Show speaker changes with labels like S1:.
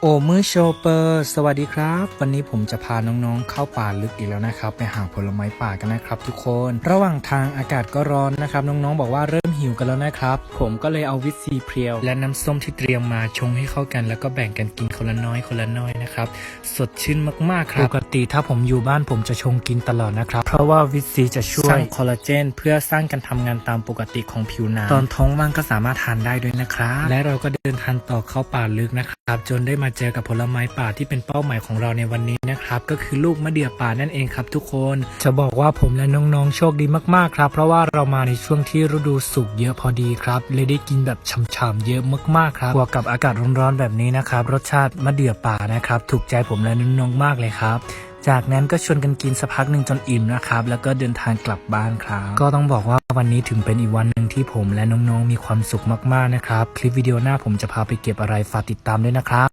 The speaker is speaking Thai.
S1: โอมือโชเปอร์สวัสดีครับวันนี้ผมจะพาน้องๆเข้าป่าลึกอีกแล้วนะครับไปหาผลไม้ป่ากันนะครับทุกคนระหว่างทางอากาศก็ร้อนนะครับน้องๆบอกว่าเริ่มหิวกันแล้วนะครับผมก็เลยเอาวิตซีเพรียวและน้ำส้มที่เตรียมมาชงให้เข้ากันแล้วก็แบ่งกันกินคนละน้อยนะครับสดชื่นมากๆครับปกติถ้าผมอยู่บ้านผมจะชงกินตลอดนะครับเพราะว่าวิตซีจะช่วยสร้างคอลลาเจนเพื่อสร้างการทำงานตามปกติของผิวหนังตอนท้องว่างก็สามารถทานได้ด้วยนะครับและเราก็เดินทางต่อเข้าป่าลึกนะครับจนได้มาเจอกับผลไม้ป่าที่เป็นเป้าหมายของเราในวันนี้นะครับก็คือลูกมะเดื่อป่านั่นเองครับทุกคนจะบอกว่าผมและน้องๆโชคดีมากๆครับเพราะว่าเรามาในช่วงที่ฤดูสุกเยอะพอดีครับเลยได้กินแบบฉ่ำๆเยอะมากๆครับบวกกับอากาศร้อนๆแบบนี้นะครับรสชาติมะเดื่อป่านะครับถูกใจผมและน้องๆมากเลยครับจากนั้นก็ชวนกันกินสักพักหนึ่งจนอิ่มนะครับแล้วก็เดินทางกลับบ้านครับก็ต้องบอกว่าวันนี้ถึงเป็นอีกวันหนึ่งที่ผมและน้องๆมีความสุขมากๆนะครับคลิปวิดีโอหน้าผมจะพาไปเก็บอะไรฝากติดตามด้วยนะครับ